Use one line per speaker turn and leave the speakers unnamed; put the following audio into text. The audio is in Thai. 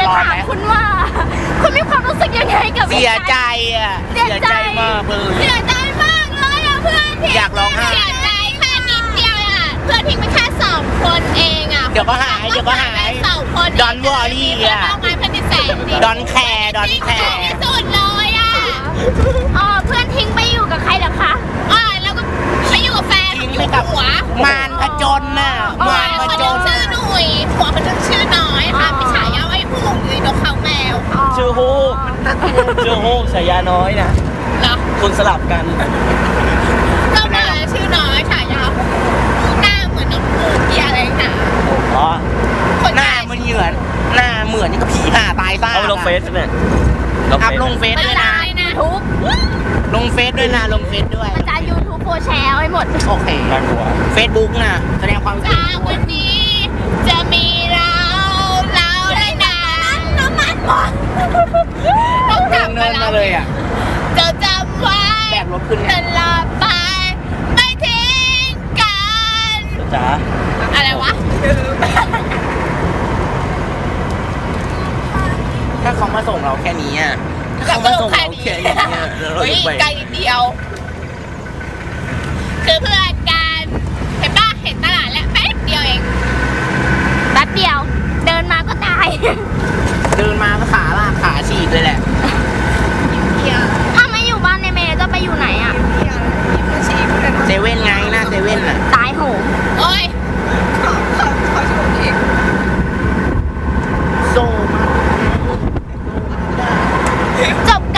ถามคุณว่าคุณมีความรู้สึกยังไงกับ
เสียใจอ่ะเสียใจมากเลย
เสียใจมากเลยอ่ะเพื่อนทิ้ง
อยากร้องไห้
เสียใจแค่นิดเดียวอ่ะเพื่อนทิ้งไปแค่2 คนเองอ่ะ
เดี๋ยวก็หาย
2 คน
ดอนวอรี่อ่ะ
เพื่อนเพื่อนที่แสนดี
ดอนแคร์
ที่สุดเลยอ่ะเพื่อนทิ้งไปอยู่กับใครเหรอคะแล้วก็ไปอยู่กับแฟนอยู่กับหัว
มารผจญน่ะมารผจญ
ชื่อหนุ่ยหัวเขาจะชื่อน้อยค่ะพี่ฉายาไอ้ผู้อยู่นกเขาแมว
ชื่อฮูกฉายาน้อยนะ
เหรอ
คนสลับกัน
ก็มาชื่อน้อยฉายาหน้าเหมือนน้องปูที่อะไรหนา
อ๋อ
หน้ามันเหมือนนี่ก็ผีห่าตายซ่า
เอาลงเฟซเนี่ย
อัพลงเฟซด้วยนะ
ทุบ
ลงเฟซด้วยนะลงเฟซด้วย
มันจะ YouTube โพแชร์ไว้หมด
โอเค
น่ากลัว
เฟซบุ๊กนะแสดงความคิด
จากวันนี้จะมีเราได้นะน้ำมันหมดต้องกลับมา
เนินมาเลยอ่ะ
จะจำไว้
แบกรถขึ้น
ต
เนี่ย
ลอดไปไม่ทิ้งกัน
จ๋า
อะไรวะ
ถ้าเขามาส่งเราแค่นี้อ่ะถ้าเขามาส่งเราแค่นี้อะแล้วเรา
เฮ้ย
จะไป
ไกลนิดเดียว คือเพื่อนกันเห็นป่ะเห็นตลาดแล้วแป๊บเดียวเองแป๊บเดียว เดินมาก็ตาย
เดินมาก็ขาลากขาฉีกเลยแหละ
ถ้าไม่อยู่บ้านในเมย์จะไปอยู่ไหนอ่ะ
เซเว่นไงหน้าเซเว่นอ่ะ
ตายโหงโอ้ย
โซ่มา
จบ